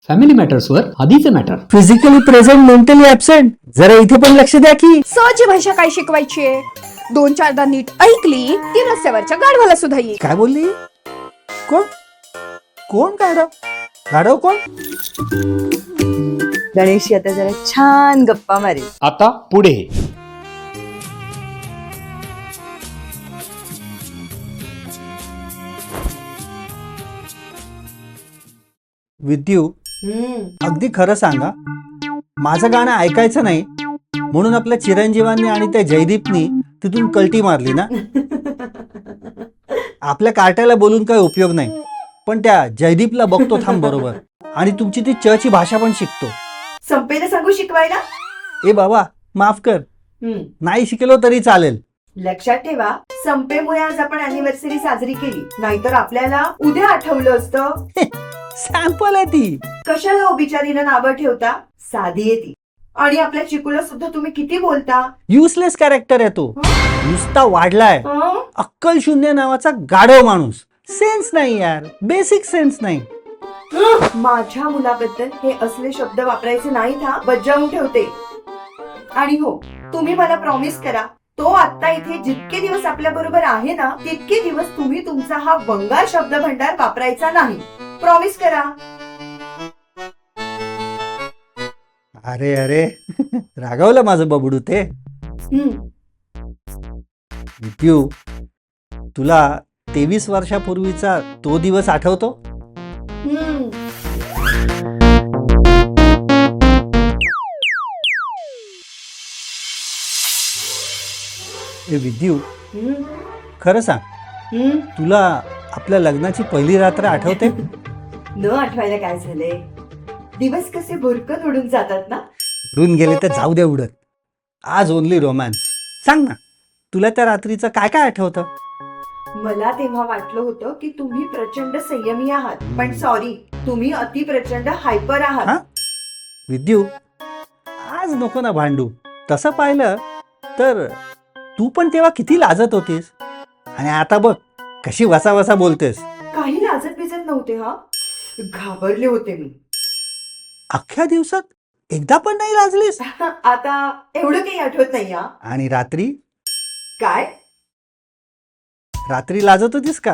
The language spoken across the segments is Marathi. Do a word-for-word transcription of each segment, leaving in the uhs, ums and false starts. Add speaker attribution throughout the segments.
Speaker 1: फॅमिली मॅटर्सवर आधीचे matter.
Speaker 2: Physically present mentally absent. जरा इथे पण लक्ष द्या की.
Speaker 3: सहजी भाषा काय शिकवायची आहे. दोन चारदा नीट ऐकली ती रस्त्यावरच्या गाढवाला सुद्धा येईल.
Speaker 2: काय बोलली? कोण कोण गाढव? गाढव कोण?
Speaker 4: गणेश आता जरा छान गप्पा मारेल.
Speaker 1: आता पुढे.
Speaker 2: विद्यू, अगदी खरं सांगा, माझं गाणं ऐकायचं नाही म्हणून आपल्या चिरंजीवांनी आणि त्या जयदीपनी तिथून कल्टी मारली ना. आपल्या कार्ट्याला बोलून काही उपयोग नाही, पण त्या जयदीपला बघतो थांब बरोबर, आणि तुमची ती च ची भाषा पण शिकतो.
Speaker 4: संपेला सांगू शिकवायला.
Speaker 2: ए बाबा माफ कर, नाही शिकलो तरी चालेल.
Speaker 4: लक्षात ठेवा, संपेमुळे आज आपण अॅनिव्हर्सरी साजरी केली, नाहीतर आपल्याला उद्या आठवलं असतं.
Speaker 2: सॅम्पल आहे ती.
Speaker 4: कशाला हो बिचारीला नावं ठेवता? साधी आहे ती. आणि आपल्या चिकूला सुद्धा तुम्ही किती बोलता.
Speaker 2: युजलेस कॅरेक्टर आहे तो. नुसता वाढलाय.
Speaker 4: हं?
Speaker 2: अक्कल शून्य नावाचा गाढव माणूस. सेन्स नाही यार, बेसिक सेन्स नाही.
Speaker 4: माझ्या मुलाबद्दल हे असले शब्द वापरायचे नाहीत हा, बजावून ठेवते. आणि हो, तुम्ही मला प्रॉमिस करा, तो आता इथे जितके दिवस आपल्या बरोबर आहे ना, तितके दिवस तुम्ही तुमचा हा वंगाळ शब्द भंडार वापरायचा नाही. प्रॉमिस करा.
Speaker 2: अरे अरे रागवलं माझं बबडू ते. विद्यू, तुला तेवीस वर्षापूर्वीचा तो दिवस आठवतो?
Speaker 4: हम्म.
Speaker 2: ए विद्यू,
Speaker 4: हम्म.
Speaker 2: खरं सांग,
Speaker 4: हम्म.
Speaker 2: तुला आपल्या लग्नाची पहिली रात्र आठवते?
Speaker 4: न आठवायला काय झालंय? दिवस कसे भुरकत उडून जातात ना.
Speaker 2: उडून गेले तर जाऊ दे उडत. आज ओनली रोमॅन्स. सांग ना, तुला त्या रात्रीचं काय काय आठवतं?
Speaker 4: मला तेव्हा वाटलं होतं की तुम्ही प्रचंड संयमी आहात, पण सॉरी, तुम्ही अति प्रचंड हायपर
Speaker 2: हा?
Speaker 4: आहात.
Speaker 2: विद्यू, आज नको ना भांडू. तसं पाहिलं तर तू पण तेव्हा किती लाजत होतीस, आणि आता बघ कशी वसा वसा बोलतेस.
Speaker 4: काही लाजत बिजत नव्हते हा, घाबरले होते मी.
Speaker 2: अख्ख्या दिवसात एकदा पण नाही लाजलीस?
Speaker 4: आता एवढं काही आठवत नाही हा.
Speaker 2: आणि रात्री?
Speaker 4: काय?
Speaker 2: रात्री लाजत होतीस का?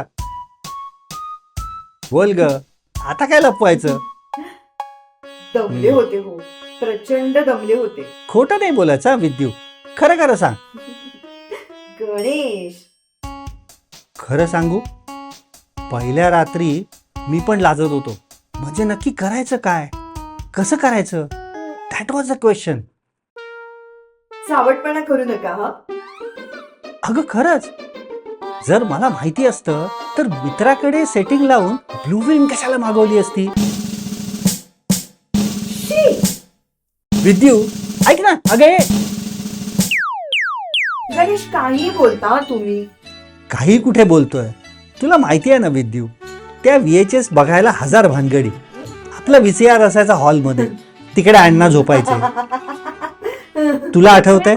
Speaker 2: बोल ग, आता काय लपवायचं?
Speaker 4: दमले होते हो, प्रचंड दमले होते.
Speaker 2: खोटं नाही बोलायचं हा विद्यू, खरं खरं सांग.
Speaker 4: गणेश,
Speaker 2: खरं सांगू, पहिल्या रात्री मी पण लाजत होतो. म्हणजे नक्की करायचं काय, कसं करायचं, दॅट वॉज अ क्वेश्चन.
Speaker 4: सावटपणा करू नका हा.
Speaker 2: अगं खरंच, जर मला माहिती असतं तर मित्राकडे सेटिंग लावून ब्लू विंग कशाला मागवली असती. विद्यू, ऐक ना, अगे.
Speaker 4: गणेश, काही बोलता तुम्ही.
Speaker 2: काही कुठे बोलतोय, तुला माहिती आहे ना विद्यू, त्या व्हीएचएस बघायला हजार भानगडी. आपला व्हीसीआर असायचा हॉलमध्ये, तिकडे अण्णा झोपायचे. तुला आठवतंय?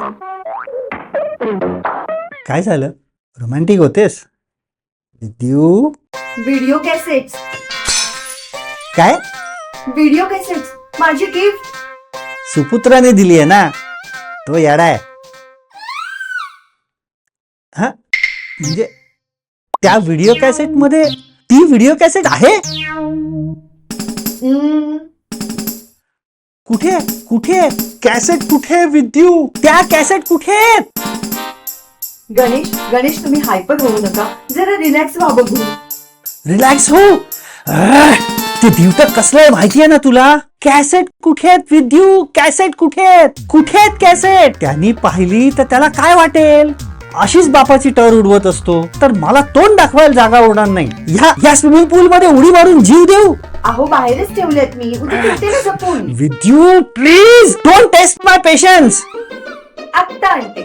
Speaker 2: काय झालं, रोमॅन्टिक होतेस? Vidyu,
Speaker 4: video cassettes.
Speaker 2: काय?
Speaker 4: व्हिडिओ कॅसेट्स, माझी गिफ्ट.
Speaker 2: सुपुत्राने दिली आहे ना, तो येडा आहे. हा, म्हणजे त्या व्हिडिओ कॅसेट मध्ये ती व्हिडिओ कॅसेट आहे? कुठे कुठे कॅसेट कुठे विद्यू? त्या कॅसेट कुठे?
Speaker 4: गणेश, गणेश तुम्ही हायपर होऊ नका, जरा रिलॅक्स व्हा बघू.
Speaker 2: रिलॅक्स हो. आह, ते दिवट कसलं आहे माहितीये ना तुला? कॅसेट कुठे आहेत विद्यू? कॅसेट कुठे आहेत? कुठे आहेत कॅसेट? त्यांनी पाहिली तर त्याला काय वाटेल? अशीच बापाची टर उडवत असतो तर मला तोंड दाखवायला जागा उडणार नाही. ह्या या स्विमिंग पूल मध्ये उडी मारून जीव देऊ?
Speaker 4: अहो, बाहेरच ठेवलेत मी, उद्या भेटते ना जपून.
Speaker 2: Vidyu please don't test my patience.
Speaker 4: आत्ता आणते.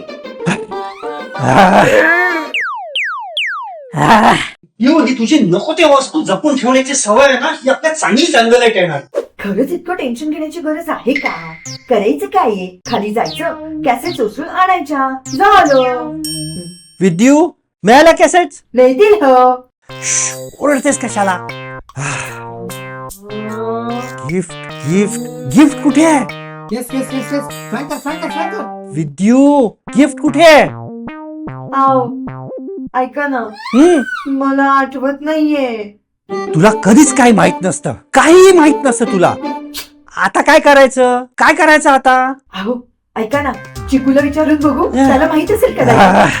Speaker 2: यू, ही तुझी नको ते वस्तू जपून ठेवण्याची सवय आहे ना, ही आपल्या चांगली जंगलात येणार.
Speaker 4: खरंच इतकं टेन्शन घेण्याची गरज आहे का? करायचं काय आहे? खाली जायचं, कॅसेट उचलून आणायच्या, झालं.
Speaker 2: विद्यू, मिळाल्या कॅसेट?
Speaker 4: मिळतील हो.
Speaker 2: ओरडतेस कशाला? गिफ्ट गिफ्ट गिफ्ट कुठे आहे?
Speaker 5: येस येस येस येस फ्रँकर फ्रँकर फ्रँकर
Speaker 2: विद्यू गिफ्ट कुठे आहे?
Speaker 4: आव ऐका ना,
Speaker 2: हम्म,
Speaker 4: मला आठवत नाहीये.
Speaker 2: तुला कधीच काही माहित नसतं, काहीही माहित नसतं तुला. आता काय करायचं? काय करायचं आता?
Speaker 4: अहो ऐका ना, चिकूला विचारून बघू, त्याला माहित असेल कदाचित.
Speaker 2: आह.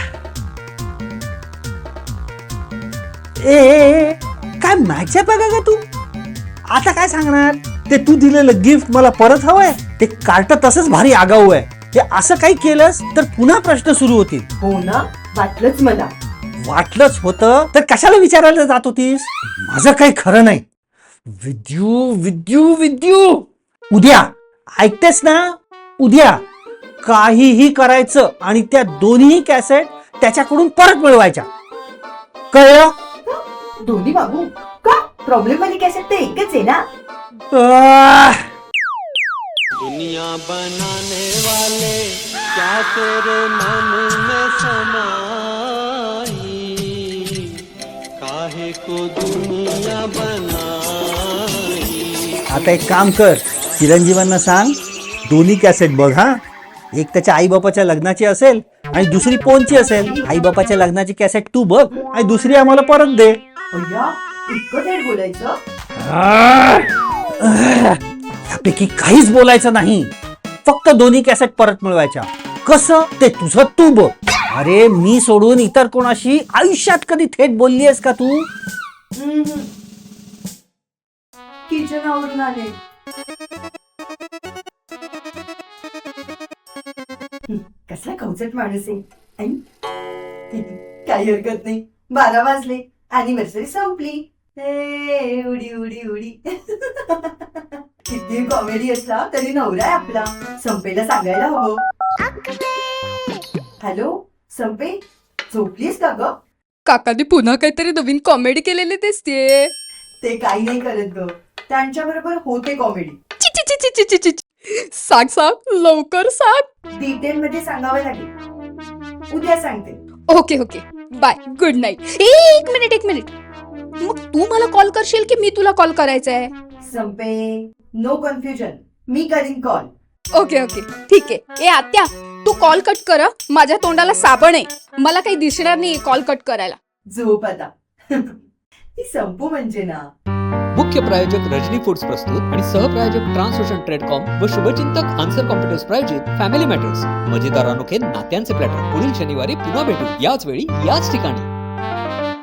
Speaker 2: ए, ए ए, काय मॅच आहे बघा का तू? आता काय सांगणार? ते तू दिलेलं गिफ्ट मला परत हवंय? ते कार्ट तसंच भारी आगाऊ आहे. ते असं काही केलंस तर पुन्हा प्रश्न सुरू होतील.
Speaker 4: हो ना, वाटलंच मला.
Speaker 2: वाटलंच होतं तर कशाला विचारायला जात होतीस? माझं काही खरं नाही. विद्यू विद्यू विद्यू उद्या ऐकतेस ना? उद्या काहीही करायचं आणि त्या दोन्ही कॅसेट त्याच्याकडून परत मिळवायच्या. कळलं?
Speaker 4: दोन्ही बाबू का? प्रॉब्लेम वाली कॅसेट तर एकच आहे ना.
Speaker 2: आह.
Speaker 6: दुनिया बनाने वाले क्या तेरे मन में समाई, काहे को दुनिया बनाई.
Speaker 2: आता एक काम कर, चिरंजीवांना सांग दोन्ही कॅसेट बघ. हा, एक त्याच्या आई बापाच्या लग्नाची असेल आणि दुसरी पोनची असेल. आई बापाच्या लग्नाची कॅसेट तू बघ आणि दुसरी आम्हाला परत दे.
Speaker 4: अय्या, इतकं थेट बोलायचं?
Speaker 2: यापैकी काहीच बोलायचं नाही, फक्त दोन्ही कॅसेट परत मिळवायच्या. कसं ते तुझं तू बघ. अरे मी सोडून इतर कोणाशी आयुष्यात कधी थेट बोलली आहेस का तू?
Speaker 4: किचन आवरून आले. हं, कसला कवचट माणूस आहे. आई, काही हरकत नाही. बारा वाजले, अॅनिव्हर्सरी संपली. ए, उडी उडी उडी. किती कॉमेडी असला तरी नवरा आहे आपला. संपेला सांगायला हवं. हॅलो संपे, झोपलीस का ग?
Speaker 3: काकाने पुन्हा काहीतरी नवीन कॉमेडी केलेली दिसतेय.
Speaker 4: ते काही नाही करत ग, त्यांच्या बरोबर होते कॉमेडी.
Speaker 3: ची, ची, ची, ची, ची, ची, ची. सांग सांग लवकर सांग.
Speaker 4: डिटेल मध्ये सांगावं लागेल. उद्या सांगते.
Speaker 3: Okay okay bye, good night. एक मिनिट एक मिनिट, मग तू मला कॉल करशील की मी तुला कॉल करायचा आहे?
Speaker 4: संपे, नो कन्फ्युजन, मी करीन कॉल.
Speaker 3: ओके ओके ठीक आहे. ए आत्या, तू कॉल कट कर हं. माझ्या तोंडाला साबण आहे, मला काही दिसणार नाही कॉल कट करायला.
Speaker 4: झोप आता. ती संपू म्हणजे ना.
Speaker 1: मुख्य प्रायोजक रजनी फूड्स प्रस्तुत आणि सहप्रायोजक ट्रान्सोशन ट्रेडकॉम व शुभचिंतक आन्सर कॉम्प्युटर्स प्रायोजित फॅमिली मॅटर्स. मजेदार अनोखे नात्यांचे प्लॅटर. पुढील शनिवारी पुन्हा भेटू याच वेळी याच ठिकाणी.